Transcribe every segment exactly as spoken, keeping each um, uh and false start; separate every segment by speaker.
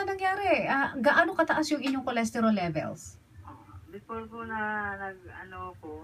Speaker 1: ba nangyari? Ah, gaano kataas yung inyong cholesterol levels?
Speaker 2: Before po na nag, ano ko,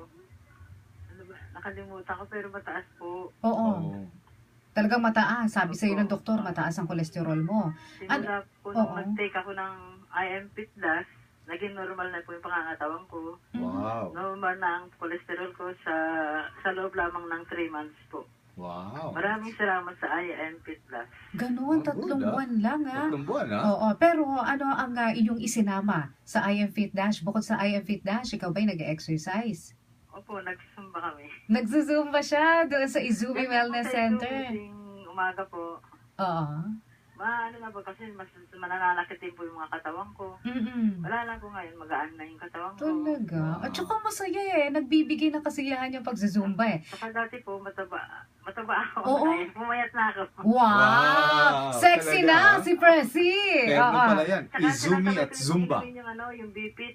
Speaker 2: ano ba, nakalimutan ko pero mataas po.
Speaker 1: Oo.
Speaker 3: Oo.
Speaker 1: Talagang mataas. Sabi sa iyo ng
Speaker 2: Opo.
Speaker 1: doktor, mataas ang cholesterol mo.
Speaker 2: Simula po nung
Speaker 1: oo.
Speaker 2: nag-take ako ng I M Fit Plus, naging normal na po yung pangangatawan ko.
Speaker 3: Wow.
Speaker 2: Normal na ang cholesterol ko sa sa loob lamang ng three months po.
Speaker 3: Wow.
Speaker 2: Maraming salamat sa I M Fit Plus.
Speaker 1: Ganun,
Speaker 3: Oh,
Speaker 1: tatlong
Speaker 3: good, ah.
Speaker 1: buwan lang ah.
Speaker 3: Tatlong buwan, ha?
Speaker 1: Oo, pero ano ang ah, inyong isinama sa I M Fit Dash? Bukod sa I M Fit Dash, ikaw ba'y nag-exercise?
Speaker 2: Opo, nagsumba kami.
Speaker 1: Nagsusumba siya doon sa Izumi Wellness
Speaker 2: Sa
Speaker 1: Center.
Speaker 2: tuwing umaga po,
Speaker 1: Oo.
Speaker 2: maano na po kasi mas mananakit din po yung mga katawan ko.
Speaker 1: Mm-mm.
Speaker 2: Wala lang po ngayon, magaan na yung katawan ko.
Speaker 1: Talaga?
Speaker 3: Wow.
Speaker 1: At saka masaya eh. Nagbibigay ng kasiyahan yung pagzuzumba eh.
Speaker 2: Saka dati po, mataba, mataba ako.
Speaker 1: Oo.
Speaker 2: Ngayon, pumayat na ako.
Speaker 1: Wow!
Speaker 3: Wow!
Speaker 1: Sexy
Speaker 3: Talaga,
Speaker 1: na
Speaker 3: ah.
Speaker 1: si Presi!
Speaker 3: Meron
Speaker 1: Oo.
Speaker 3: pala yan.
Speaker 2: Saka
Speaker 3: Izumi
Speaker 2: sinasabay
Speaker 3: at
Speaker 2: ko
Speaker 3: Zumba.
Speaker 2: din Yung, ano, yung B-Fit.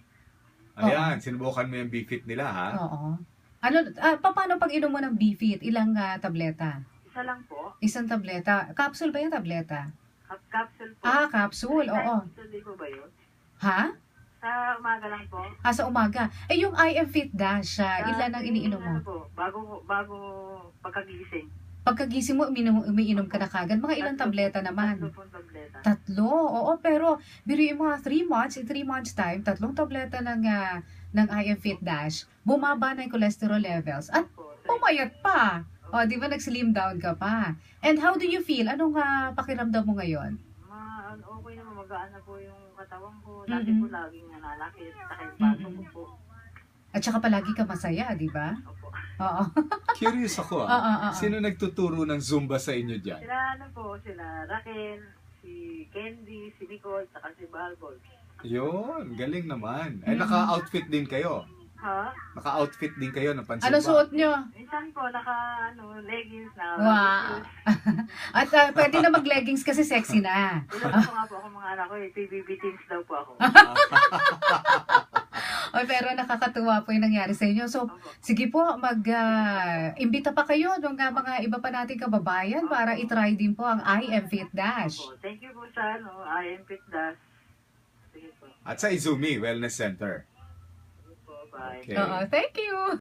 Speaker 3: Ayan, sinubukan mo yung B-Fit nila, ha?
Speaker 1: Oo. Ano, ah, pa- paano pag inom mo ng B-Fit? Ilang ah, tableta?
Speaker 2: Isa lang po.
Speaker 1: Isang tableta. Capsule ba yung tableta?
Speaker 2: Cap- Capsule po.
Speaker 1: Ah, capsule. Oo.
Speaker 2: Hindi po ba yun?
Speaker 1: Ha?
Speaker 2: Sa umaga lang po.
Speaker 1: Ah, sa umaga. Eh, yung I M Fit Dash, ah,
Speaker 2: Sa
Speaker 1: ilan ang iniinom mo?
Speaker 2: Ano po, bago, bago pagkagising.
Speaker 1: Pagkagising mo, uminom, umiinom ka na kagad. Mga ilang
Speaker 2: Tatlo-
Speaker 1: tableta naman?
Speaker 2: Tatlo pong tableta.
Speaker 1: Tatlo. Oo, pero biruin mo nga, three months, in three months time, tatlong tableta ng, ah, ng I M Fit Dash, bumaba na yung cholesterol levels. At
Speaker 2: Po, sa-
Speaker 1: pumayat pa. O, di ba nag-slim down ka pa? And how do you feel? Anong ah, pakiramdam mo ngayon?
Speaker 2: Ma, ano, okay naman, magaan na po yung katawan ko. Dati
Speaker 1: Mm-mm.
Speaker 2: po laging nananakit. Saka yung baso ko po.
Speaker 1: At saka palagi ka masaya, di ba?
Speaker 2: Opo.
Speaker 1: Oo.
Speaker 3: Curious ako,
Speaker 1: Oo,
Speaker 3: ah.
Speaker 1: oo, oo.
Speaker 3: Sino nagtuturo ng Zumba sa inyo dyan?
Speaker 2: Sila ano po, sila Raquel, si Candy, si Nicole, saka si Balbol.
Speaker 3: Yun, galing naman. Ay,
Speaker 1: Mm.
Speaker 3: naka-outfit din kayo.
Speaker 2: Ha?
Speaker 3: Naka-outfit din kayo ng pansimba.
Speaker 1: Ano suot nyo?
Speaker 2: Minsan po, naka, ano, leggings na.
Speaker 1: Wow. At ah, pwede na mag-leggings kasi sexy na.
Speaker 2: Ilan po nga po ako mga anak ko eh, P B B teams daw po ako.
Speaker 1: O, pero nakakatuwa po yung nangyari sa inyo. So,
Speaker 2: Opo.
Speaker 1: sige po, mag-imbita pa kayo ng ah, mga iba pa nating kababayan para itry din po ang I M Fit Dash.
Speaker 2: Opo. Thank you po sa, ano, I M Fit Dash. Sige po.
Speaker 3: At sa Izumi Wellness Center.
Speaker 2: Sige po, bye.
Speaker 3: Okay.
Speaker 1: Oo, thank you!